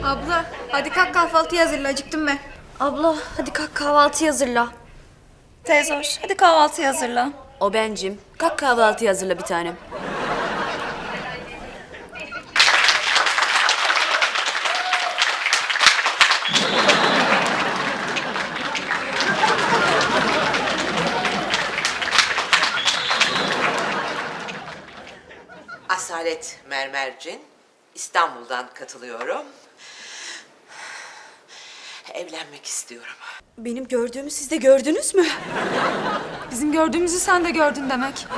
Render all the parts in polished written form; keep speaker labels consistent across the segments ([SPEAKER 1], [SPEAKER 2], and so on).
[SPEAKER 1] Abla hadi kalk kahvaltıyı hazırla, acıktım ben.
[SPEAKER 2] Abla hadi kalk kahvaltı hazırla.
[SPEAKER 1] Teyze hoş, hadi kahvaltıyı hazırla.
[SPEAKER 2] O bencim. Kalk kahvaltı hazırla bir tanem.
[SPEAKER 3] Asalet Mermercin, İstanbul'dan katılıyorum. Evlenmek istiyorum.
[SPEAKER 2] Benim gördüğümü siz de gördünüz mü?
[SPEAKER 1] Bizim gördüğümüzü sen de gördün demek.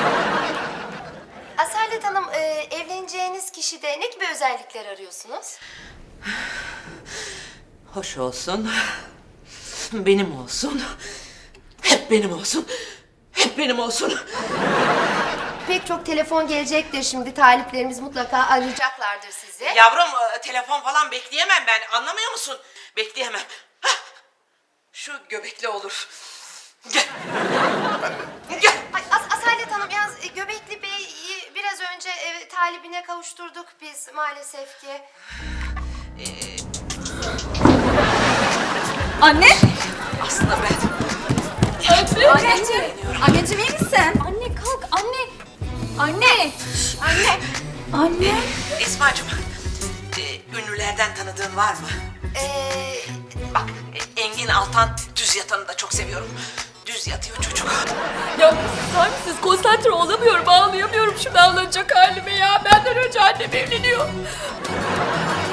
[SPEAKER 4] Asalet Hanım, evleneceğiniz kişide ne gibi özellikler arıyorsunuz?
[SPEAKER 3] Hoş olsun, benim olsun, hep benim olsun, hep benim olsun.
[SPEAKER 4] Pek çok telefon gelecektir şimdi. Taliplerimiz mutlaka arayacaklardır sizi.
[SPEAKER 3] Yavrum, telefon falan bekleyemem ben, anlamıyor musun? Bekleyemem. Hah! Şu göbekli olur. Gel. Gel.
[SPEAKER 4] Ay, Asalet Hanım, yalnız Göbekli Bey'i biraz önce talibine kavuşturduk biz maalesef ki.
[SPEAKER 1] Anne!
[SPEAKER 3] Aslında ben...
[SPEAKER 1] Anneciğim! Anneciğim iyi misin?
[SPEAKER 2] Anne kalk anne. Anne.
[SPEAKER 4] Anne,
[SPEAKER 1] Anne!
[SPEAKER 3] Esma'cığım, ünlülerden tanıdığın var mı? Bak, Engin Altan düz yatanı da çok seviyorum. Düz yatıyor çocuk.
[SPEAKER 2] Ya susar mısınız? Konsantre olamıyorum, ağlayamıyorum şu ağlanacak halime ya. Benden önce annem evleniyor.